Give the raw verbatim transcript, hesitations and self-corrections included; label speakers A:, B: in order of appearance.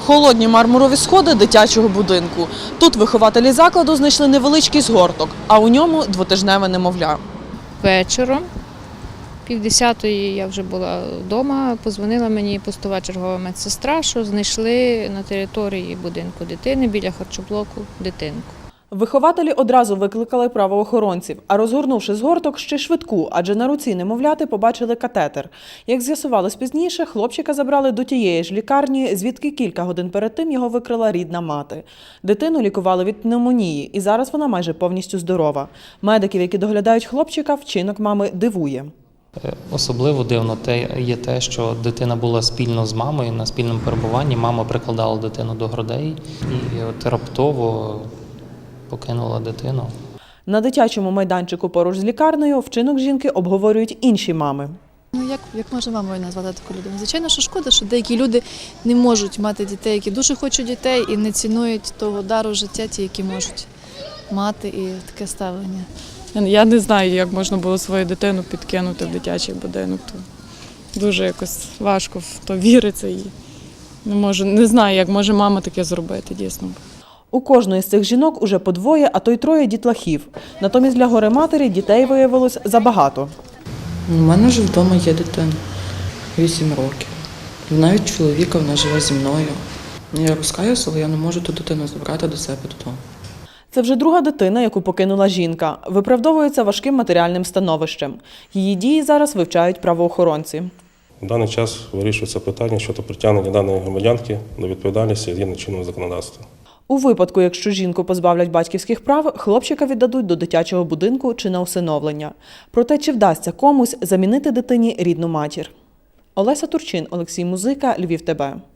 A: Холодні мармурові сходи дитячого будинку. Тут вихователі закладу знайшли невеличкий згорток, а у ньому двотижневе немовля.
B: Вечором, півдесятої я вже була вдома, подзвонила мені постова чергова медсестра, що знайшли на території будинку дитини біля харчоблоку дитинку.
A: Вихователі одразу викликали правоохоронців, а розгорнувши згорток, ще швидку, адже на руці немовляти побачили катетер. Як з'ясувалось пізніше, хлопчика забрали до тієї ж лікарні, звідки кілька годин перед тим його викрила рідна мати. Дитину лікували від пневмонії, і зараз вона майже повністю здорова. Медиків, які доглядають хлопчика, вчинок мами дивує.
C: Особливо дивно є те, що дитина була спільно з мамою на спільному перебуванні. Мама прикладала дитину до грудей і от раптово покинула дитину.
A: На дитячому майданчику поруч з лікарнею вчинок жінки обговорюють інші мами.
D: Ну, як, як можна мамою назвати таку людину? Звичайно, що шкода, що деякі люди не можуть мати дітей, які дуже хочуть дітей і не цінують того дару життя, ті, які можуть мати, і таке ставлення.
E: Я не знаю, як можна було свою дитину підкинути в дитячий будинок. То дуже якось важко в то віриться. І не можу, не знаю, як може мама таке зробити, дійсно.
A: У кожної з цих жінок уже по двоє, а то й троє дітлахів. Натомість для горе-матері дітей виявилось забагато.
F: У мене вже вдома є дитина, вісім років. Навіть чоловіка, вона живе зі мною. Я розкаюся, але я не можу ту дитину забрати до себе додому.
A: Це вже друга дитина, яку покинула жінка. Виправдовується важким матеріальним становищем. Її дії зараз вивчають правоохоронці.
G: В даний час вирішується питання щодо притягнення даної громадянки до відповідальності згідно чинного законодавства.
A: У випадку, якщо жінку позбавлять батьківських прав, хлопчика віддадуть до дитячого будинку чи на усиновлення. Проте, чи вдасться комусь замінити дитині рідну матір? Олеся Турчин, Олексій Музика, Львів ТБ.